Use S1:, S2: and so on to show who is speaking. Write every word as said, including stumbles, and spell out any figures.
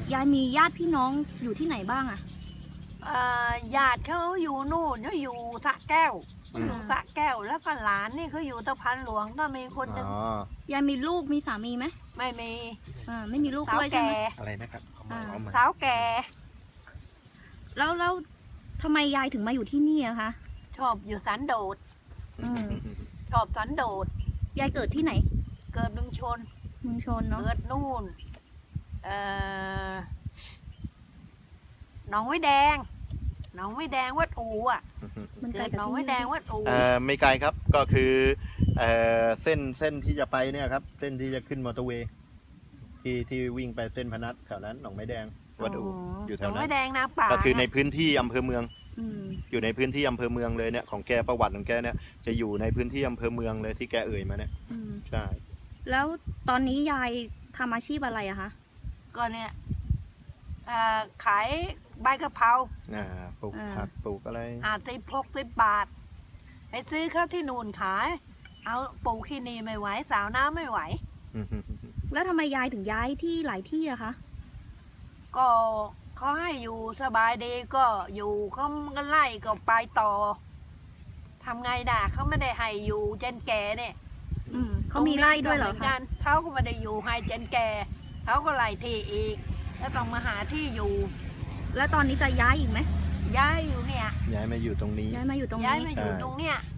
S1: ยายมีญาติพี่น้องอยู่ที่ไหนบ้างอะ
S2: อ่าญาติเขาอยู่นู่นเขาอยู่สระแก้ว
S3: อืม
S2: อยู่สระแก้วแล้วก็หลานนี่เขาอยู่ตะพันหลวงก็มีคนหนึง
S3: อ๋อ
S1: ยายมีลูกมีสามีไหม
S2: ไม่มี
S1: อ่าไม่มีลูก
S2: สาว
S1: ด้วยใช่
S2: แก่
S1: ไหม
S3: อะไรนะครับเอามา
S1: อ่า
S3: เอามา
S2: สาวแก่
S1: แล้วแล้วทำไมยายถึงมาอยู่ที่นี่อะคะ
S2: ชอบอยู่สันโดษ
S1: อืม
S2: ชอบสันโดษ
S1: ยายเกิดที่ไหน
S2: เกิดเมืองชน
S1: เมืองชนเนาะ
S2: เกิดนู่นเอ่อหนองไว้แดงหนองไว้แดงวัดอูอ่ะ
S1: มันไกล
S2: เกิด
S1: จาก
S2: หนอง
S1: ที่
S2: ไว้
S1: นี่
S2: แดงวัดอู
S3: เอ่อไม่ไกลครับก็คือเอ่อเส้นเส้นที่จะไปเนี่ยครับเส้นที่จะขึ้นมอเตอร์เวย์ที่ที่วิ่งไปเส้นพนัสแถวนั้นหนองไม้แดงวัดอูอยู่
S2: ห
S3: แถ
S2: นอ
S3: ว
S2: ง
S3: นั้
S2: ไว้
S3: น
S2: แดงนาป่า
S3: ก็คือใน
S2: นะ
S3: พื้นที่อำเภอเมือง
S1: อืม
S3: อยู่ในพื้นที่อำเภอเมืองเลยเนี่ยของแกประวัติของแกเนี่ยจะอยู่ในพื้นที่อำเภอเมืองเลยที่แกเอ่ยมาเนี่ย
S1: อืม
S3: ใช่
S1: แล้วตอนนี้ยายทำอาชีพอะไรอะคะ
S2: ก็เนี่ยเอ่อขายใบกะเพรา
S3: อ่าปลูกผักปลูกอะไร
S2: อาจสิบหกสิบบาทไปซื้อเขาที่นู่นขาย เอาปลูกที่นี่ไม่ไหวสาวน้ำไม่ไหว
S1: แล้วทำไมยายถึงย้ายที่หลายที่อะคะ
S2: ก็เขาให้อยู่สบายดีก็อยู่เขาก็ไล่ก็ไปต่อทำไงด่าเขาไม่ได้ให้อยู่เจนแก่เนี่ย
S1: อืมเขามีไร่ด้วยเหรอ
S2: ตงนี้ก็มืน
S1: คะ
S2: กันเขาก็ไม่ได้อยู่ให้เจนแก่เขาก็ไล่ที่อีก แล้วต้องมาหาที่อยู่
S1: แล้วตอนนี้จะย้ายอีกไหม
S2: ย้ายอยู่เนี่ย
S3: ย้ายมาอยู่ตรงนี้
S1: ย้ายมาอยู่ตรง
S2: ย้าย
S1: นี้
S2: มาอยู่ตรงเนี้ย